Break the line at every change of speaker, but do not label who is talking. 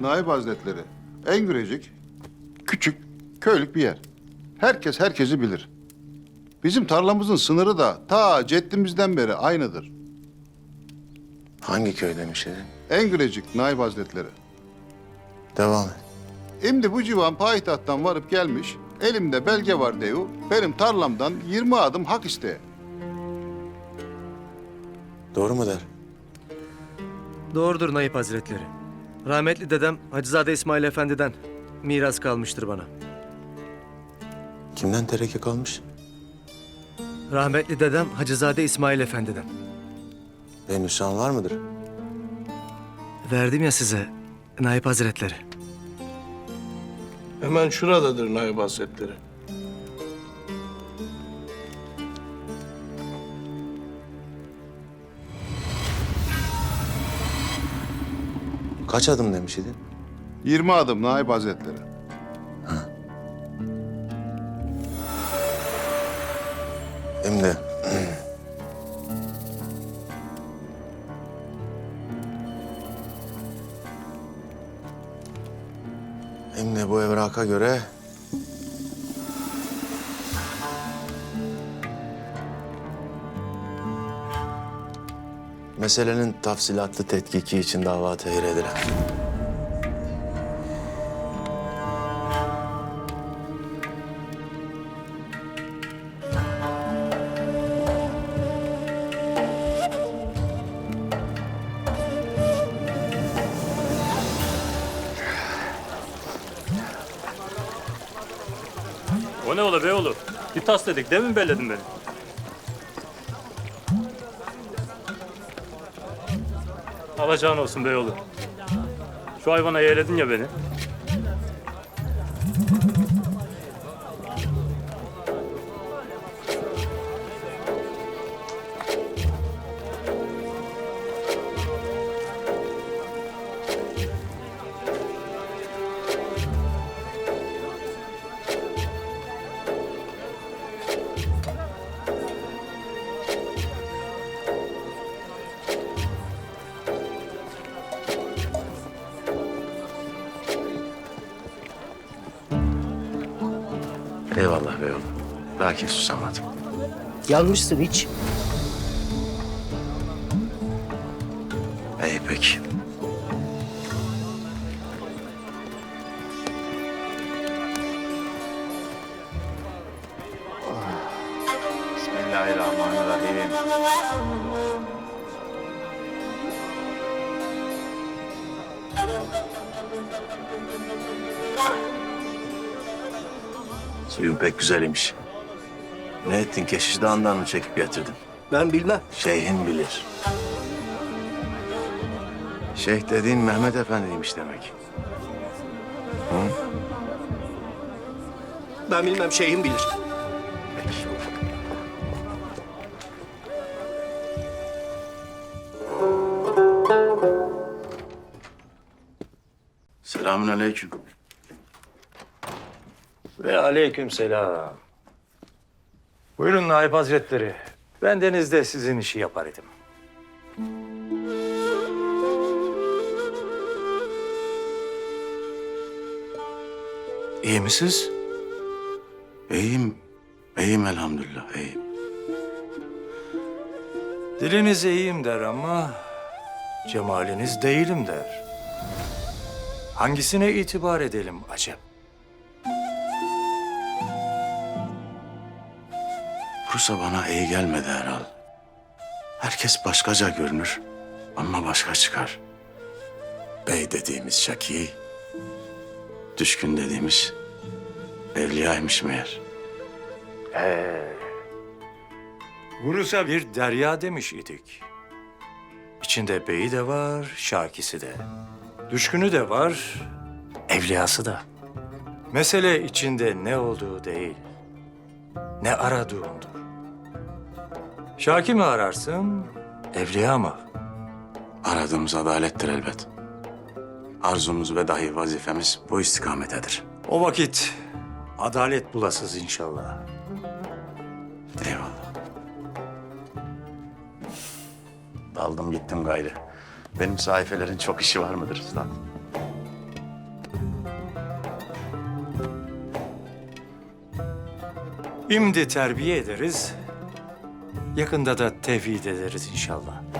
Naip Hazretleri. Engürecik, küçük, köylük bir yer. Herkes herkesi bilir. Bizim tarlamızın sınırı da ta ceddimizden beri aynıdır.
Hangi köy demişydin?
Engürecik Naip Hazretleri.
Devam et.
Şimdi bu civan payitahttan varıp gelmiş, elimde belge var deyu, benim tarlamdan 20 adım hak isteye.
Doğru mu der?
Doğrudur Naip Hazretleri. Rahmetli dedem Hacızade İsmail Efendi'den miras kalmıştır bana.
Kimden tereke kalmış?
Rahmetli dedem Hacızade İsmail Efendi'den.
Nüshan var mıdır?
Verdim ya size Naip Hazretleri.
Hemen şuradadır Naip Hazretleri.
Kaç adım demişydin?
20 adım Naip Hazretleri.
Hem de... Hem de bu evraka göre... Meselenin tafsilatlı tetkiki için dava tehir edilen.
O ne ola be oğlum? Bir tas dedik, değil mi belledin beni? Alacağın olsun be oğlum. Şu hayvana yeğledin ya beni.
Eyvallah be oğlum. Lakin susamadım.
Yanmışsın hiç.
İyi peki.
Bismillahirrahmanirrahim.
Suyun pek güzelmiş. Ne ettin? Keşiş Dağı'ndan mı çekip getirdin?
Ben bilmem.
Şeyhin bilir. Şeyh dediğin Mehmet Efendi'ymiş demek.
Ben bilmem, şeyhim bilir.
Peki. Selamünaleyküm.
Ve aleykümselam. Buyurun Naip Hazretleri. Bendeniz de sizin işi yapar idim. İyi misiniz?
İyiyim. İyiyim elhamdülillah, iyiyim.
Diliniz iyiyim der ama cemaliniz değilim der. Hangisine itibar edelim acep?
Bursa bana iyi gelmedi herhal. Herkes başkaca görünür ama başka çıkar. Bey dediğimiz Şaki, düşkün dediğimiz evliyaymış meğer.
Bursa bir derya demiş idik. İçinde beyi de var, şakisi de. Düşkünü de var, evliyası da. Mesele içinde ne olduğu değil, ne aradığındır. Şaki mi ararsın, evliya mı?
Aradığımız adalettir elbet. Arzumuz ve dahi vazifemiz bu istikametedir.
O vakit adalet bulasız inşallah.
Eyvallah. Daldım gittim gayrı. Benim sayfelerin çok işi var mıdır üstad?
Şimdi terbiye ederiz. Yakında da tevhid ederiz inşallah.